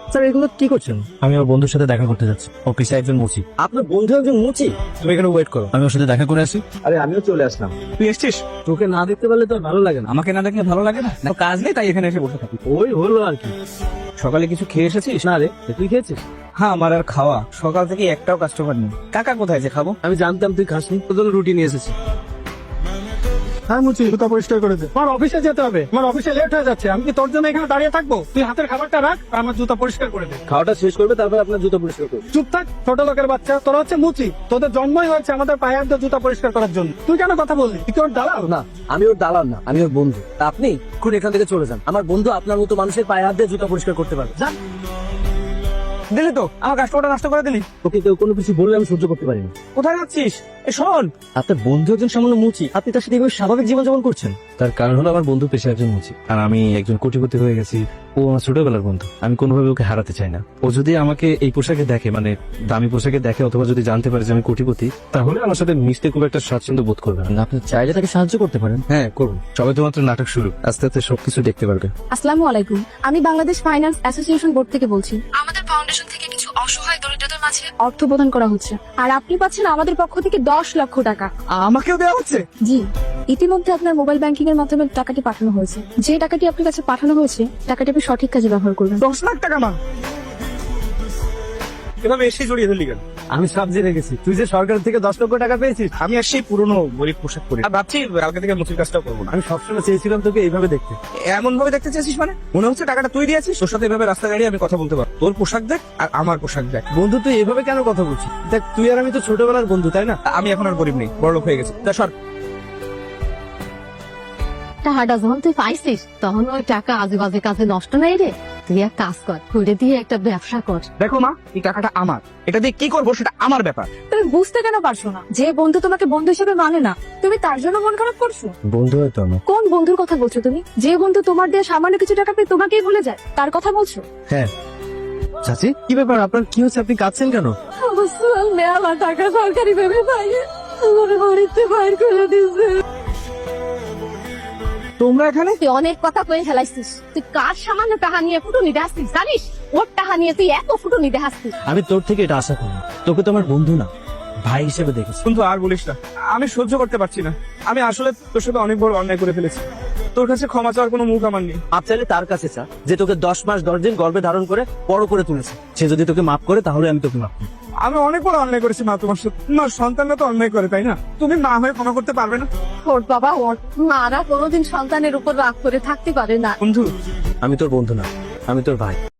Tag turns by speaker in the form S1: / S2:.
S1: Sir এগুলো কি করছেন?
S2: আমি আমার বন্ধুর সাথে দেখা করতে যাচ্ছি, অফিসে একজন মুচি।
S1: আপনার বন্ধু একজন মুচি?
S2: তুমি এখানে ওয়েট করো, আমি ওর সাথে দেখা করে আসি।
S1: আরে আমিও চলে আসলাম।
S2: তুই এসছিস?
S1: তোকে না দেখতে পারলে তো আর ভালো লাগে না।
S2: আমাকে না দেখলে ভালো লাগে না? না, কাজ নেই তাই এখানে এসে বসে থাকি।
S1: ওই হলো আর কি।
S2: সকালে কিছু খেয়ে এসেছিস?
S1: না রে, তুই খেয়েছিস?
S2: হ্যাঁ, আমার আর খাওয়া। সকাল থেকে একটাও কাস্টমার নেই। কাকা কোথায় যে খাবো?
S1: আমি জানতাম তুই খাসনি, তোর জন্য রুটি নিয়ে এসেছি।
S3: হ্যাঁ মুচি, জুতা পরিষ্কার করে দে। আমার অফিসে যেতে হবে, আমার অফিসে লেট হয়ে যাচ্ছে। আমি কি তোর জন্য এখানে দাঁড়িয়ে থাকবো? তুই হাতের খাবারটা রাখ আর আমার জুতা পরিষ্কার করে দে।
S1: খাওয়াটা শেষ করবে, তারপর আপনার জুতো পরিষ্কার করবে।
S3: চুপ থাক, ছোট লোকের বাচ্চা। তোরা হচ্ছে মুচি, তোদের জন্মই হয়েছে আমাদের পায়ে হাত দিয়ে জুতা পরিষ্কার করার জন্য। তুই কেন কথা বললি? তুই কি ওর দালাল?
S1: না, আমি ওর দালাল না, আমি ওর বন্ধু। তা আপনি এখন এখান থেকে চলে যান। আমার বন্ধু আপনার মতো মানুষের পায়ে হাত দিয়ে জুতো পরিষ্কার করতে পারবে। যান।
S2: দিলি তো আমার কাস্টমারটা নষ্ট করে দিলি।
S1: ওকে কেউ কোনো কিছু বললে আমি সহ্য করতে পারি না।
S2: কোথায় যাচ্ছিস? এ শোন,
S1: আপনার বন্ধু একজন সামান্য মুচি, আপনি তার সাথে এইভাবে স্বাভাবিক জীবনযাপন করছেন? তার কারণ হলো আমার বন্ধু পেশা একজন মুচি, আর আমি একজন কোটিপতি হয়ে গেছি। ও আমার ছোটবেলার বন্ধু, আমি কোনোভাবে ওকে হারাতে চাই না। ও যদি আমাকে এই পোশাকে দেখে, মানে দামি পোশাকে দেখে, অথবা যদি জানতে পারে যে আমি কোটিপতি, তাহলে আমার সাথে মিশতে খুব একটা স্বাচ্ছন্দ্য বোধ করবে না। আপনি চাইলে তাকে সাহায্য করতে পারেন। হ্যাঁ, করুন। সবাই তো মাত্র নাটক শুরু, আস্তে আস্তে সবকিছু দেখতে পারবে।
S4: আসসালামু আলাইকুম, আমি বাংলাদেশ ফাইন্যান্স অ্যাসোসিয়েশন বোর্ড থেকে বলছি। আমাদের ফাউন্ডেশন থেকে কিছু অসহায় দরিদ্রদের মাঝে অর্থ প্রদান করা হচ্ছে, আর আপনি পাচ্ছেন আমাদের পক্ষ থেকে 10 লক্ষ টাকা।
S2: আমাকেও দেওয়া হচ্ছে?
S4: জি, ইতিমধ্যে আপনার মোবাইল ব্যাংকিং এর মাধ্যমে টাকাটি পাঠানো হয়েছে। যে টাকাটি আপনার কাছে পাঠানো হয়েছে, টাকাটি আপনি সঠিক কাজে ব্যবহার করবেন।
S2: 10 লাখ টাকা? মা এভাবে এসে জড়িয়ে ধরলি কেন?
S1: আমি সব জেনে গেছি, তুই যে সরকার থেকে 10 লক্ষ টাকা পেয়েছিস।
S2: আমি আর সেই পুরনো গরিব পোশাক পরে আর ভাবছি কালকে থেকে মুচির কাজটাও করবো না।
S1: আমি সবসময় চেয়েছিলাম তোকে এইভাবে দেখতে।
S2: এমন ভাবে দেখতে চেয়েছিস মানে? মনে হচ্ছে টাকাটা তুই দিয়েছিস। তোর সাথে এভাবে রাস্তা দাঁড়িয়ে আমি কথা বলতে পারবো। তোর পোশাক দেখ আর আমার পোশাক দেখ।
S1: বন্ধু তুই এভাবে কেন কথা বলছিস? দেখ, তুই আর আমি তো ছোটবেলার বন্ধু, তাই না?
S2: আমি এখন আর গরিব নেই, বড়লোক হয়ে গেছি। তা সর।
S5: টাকাটা যখন তুই পাইছিস তখন ওই টাকা আজে বাজে কাজে নষ্ট নাই রে। তুই এক কাজ কর, ঘুরে দিয়ে একটা ব্যবসা কর।
S2: দেখো মা, এই টাকাটা আমার, এটা দিয়ে কি করবো সেটা আমার ব্যাপার।
S4: তুমি বুঝতে কেন পারছো না? যে বন্ধু তোমাকে বন্ধু হিসেবে মানে না, তুমি তার জন্য মন খারাপ করছো?
S1: বন্ধু হয়তো আমার।
S4: কোন বন্ধুর কথা বলছো তুমি? যে বন্ধু তোমার দিয়ে সামান্য কিছু টাকা পেয়ে তোমাকেই ভুলে যায়, তার কথা বলছো?
S1: হ্যাঁ। চাচি, কি ব্যাপার? আপনার কি হচ্ছে? আপনি কাঁদছেন কেন?
S4: আমার টাকা সরকারি ভেবে পাইয়ে আমার বাড়িতে বাইর করে দিয়েছে।
S2: তোমরা এখানে?
S5: তুই অনেক কথা কয়ে ফেলাইছিস। তুই কার সামান্য টাকা নিয়ে ফুটুনি দেখাচ্ছিস জানিস? ওর টাকা নিয়ে তুই এত ফুটুনি দেখাচ্ছিস।
S1: আমি তোর থেকে এটা আশা করি। তোকে তো আমার বন্ধু না, ভাই হিসেবে দেখেছি।
S2: কিন্তু আর বলিস না, আমি সহ্য করতে পারছি না। আমি আসলে তোর সাথে অনেক বড় অন্যায় করে ফেলেছি। তোর কাছে ক্ষমা চাওয়ার কোনো মুখ আমার নেই।
S1: মাপ চাইলে তার কাছে চা, যে তোকে 10 মাস 10 দিন গর্ভে ধারণ করে বড় করে তুলেছে। সে যদি তোকে মাফ করে, তাহলে আমি তোকে মাফ করি।
S2: আমি অনেক বড় অন্যায় করেছি মা তোমার সাথে। তোমার সন্তানরা তো অন্যায় করে, তাই না? তুমি মা হয়ে ক্ষমা করতে পারবে না?
S5: ওর বাবা, ওর মারা কোনোদিন সন্তানের উপর রাগ করে থাকতে পারে না।
S2: বন্ধু,
S1: আমি তোর বন্ধু না, আমি তোর ভাই।